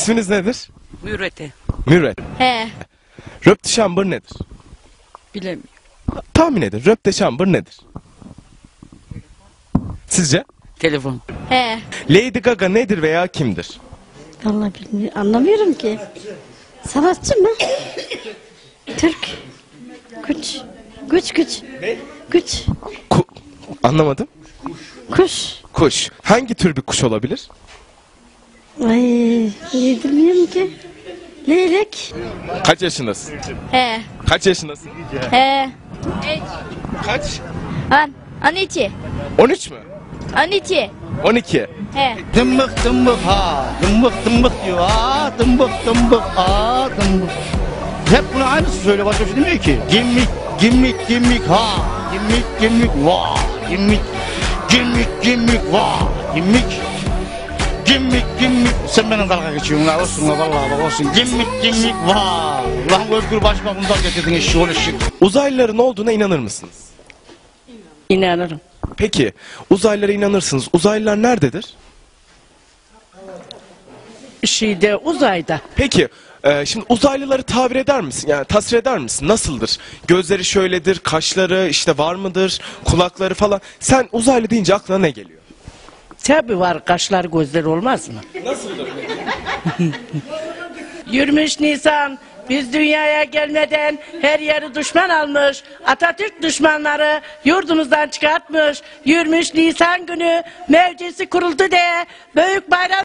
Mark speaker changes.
Speaker 1: İsminiz nedir?
Speaker 2: Mürete.
Speaker 1: Mürvet.
Speaker 3: He.
Speaker 1: Röpte şambır nedir?
Speaker 2: Bilemiyorum.
Speaker 1: Tahmin edin. Röpte şambır nedir? Sizce?
Speaker 2: Telefon.
Speaker 3: He.
Speaker 1: Lady Gaga nedir veya kimdir?
Speaker 3: Vallahi bilmiyorum. Anlamıyorum ki. Sanatçı mı? Türk. Güç. Güç.
Speaker 1: Ne?
Speaker 3: Güç.
Speaker 1: Anlamadım.
Speaker 3: Kuş.
Speaker 1: Kuş. Hangi tür bir kuş olabilir?
Speaker 3: Ay, bilmiyorum ki. Leylek.
Speaker 1: Kaç yaşındasın?
Speaker 3: He.
Speaker 1: Kaç yaşındasın?
Speaker 3: He.
Speaker 1: Kaç?
Speaker 3: Aniçi.
Speaker 1: 13 mü?
Speaker 3: Aniçi.
Speaker 1: 12.
Speaker 3: He.
Speaker 4: Dımbık dımbık ha, dımbık diyor ha, dımbık ha, dımbık. Hep bunu aynısı söyle, başka bir şey demiyor ki. Gimmik ha, gimmik va, gimmik va, gimmik. Sen benim dalga geçiyorsun la, olsun la vallahi bak olsun. Gimmik va. Lan Özgür Başbakan'dan getirdin eşi ol eşi.
Speaker 1: Uzaylıların olduğuna inanır mısınız?
Speaker 2: İnanırım.
Speaker 1: Peki uzaylılara inanırsınız. Uzaylılar nerededir?
Speaker 2: Uzayda.
Speaker 1: Peki şimdi uzaylıları tabir eder misin? Yani tasvir eder misin? Nasıldır? Gözleri şöyledir, kaşları işte var mıdır, kulakları falan. Sen uzaylı deyince aklına ne geliyor?
Speaker 2: Tabi var, kaşlar gözler olmaz mı?
Speaker 1: Nasıldır?
Speaker 2: 23 Nisan biz dünyaya gelmeden her yeri düşman almış. Atatürk düşmanları yurdumuzdan çıkartmış. 23 Nisan günü mevcisi kuruldu diye büyük bayram